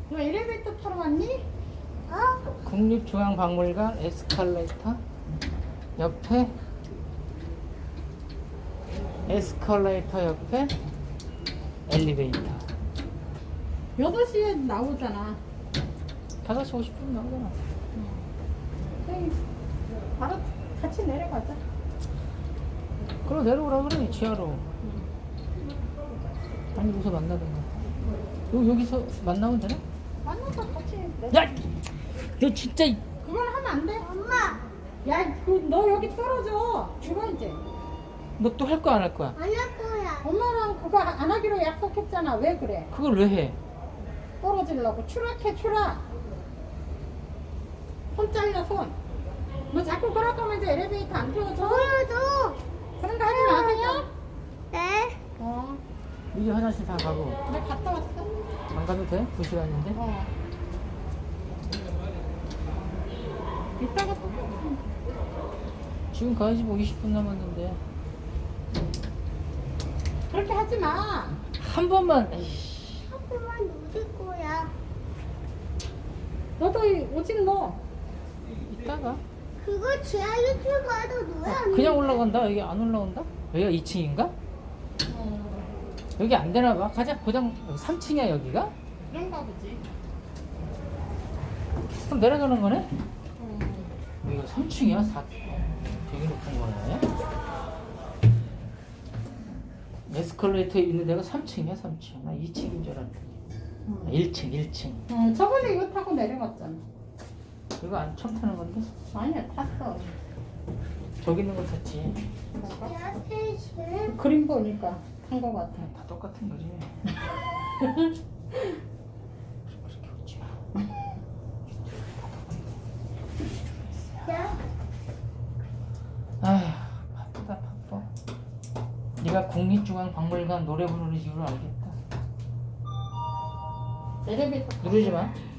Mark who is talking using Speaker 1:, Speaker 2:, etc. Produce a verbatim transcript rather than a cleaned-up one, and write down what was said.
Speaker 1: 너 엘리베이터 타러 왔니?
Speaker 2: 어? 국립중앙박물관 에스컬레이터 옆에 에스컬레이터 옆에 엘리베이터.
Speaker 1: 여덟 시에 나오잖아.
Speaker 2: 다섯 시 오십 분 나오잖아.
Speaker 1: 에이, 바로 같이 내려가자.
Speaker 2: 그럼 내려오라 그래, 지하로. 아니, 여기서 만나든가. 요, 여기서 만나면 되나?
Speaker 1: 만나서 같이 내려.
Speaker 2: 야! 너 진짜. 이-
Speaker 1: 그건 하면 안 돼. 엄마. 야, 그, 너 여기 떨어져. 죽어 이제.
Speaker 2: 너 또 할 거야, 안 할 거야?
Speaker 3: 안 할 거야.
Speaker 1: 엄마랑 그거 안 하기로 약속했잖아. 왜 그래?
Speaker 2: 그걸 왜 해?
Speaker 1: 떨어지려고. 추락해, 추락. 손 잘려, 손. 너 자꾸 그럴 거면 이제 엘리베이터 안 태워줘.
Speaker 3: 보여줘.
Speaker 1: 그런 거 하지 마세요.
Speaker 3: 네.
Speaker 1: 어,
Speaker 2: 이제 화장실 다 가고.
Speaker 1: 나 갔다 왔어.
Speaker 2: 안 가도 돼? 두 시간인데?
Speaker 1: 어. 이따가 또.
Speaker 2: 지금 가야지 뭐 이십 분 남았는데.
Speaker 1: 그렇게 하지 마.
Speaker 2: 한 번만. 에이씨.
Speaker 3: 조금만 누릴 거야.
Speaker 1: 너도 이- 오직 너.
Speaker 2: 이따가.
Speaker 3: 그거 지하 일 층 가도 누야 안
Speaker 2: 그냥
Speaker 3: 돼.
Speaker 2: 올라간다? 여기 안 올라온다? 여기가 이 층인가? 여기 안 되나 봐. 가자. 그냥 삼 층이야, 여기가?
Speaker 1: 그런가 보지.
Speaker 2: 그럼 내려가는 거네?
Speaker 1: 어.
Speaker 2: 여기가 삼 층이야? 사... 되게 높은 거네. 에스컬레이터에 있는 데가 삼 층이야, 삼 층. 나 이 층인 줄 알았는데. 아, 일 층, 일 층.
Speaker 1: 어, 저번에 이거 타고 내려갔잖아.
Speaker 2: 이거 안 처음 타는 건데?
Speaker 1: 아니야, 탔어.
Speaker 2: 저기 있는 거 탔지.
Speaker 1: 뭔가?
Speaker 3: 지하 일 층.
Speaker 1: 그림 보니까 탄 거 같아.
Speaker 2: 다 똑같은 거지. 그렇게 웃지 마.
Speaker 3: 야,
Speaker 2: 아휴, 바쁘다, 바빠. 네가 국립중앙박물관 노래 부르는 이유를 알겠다.
Speaker 1: 엘리베이터
Speaker 2: 누르지 마.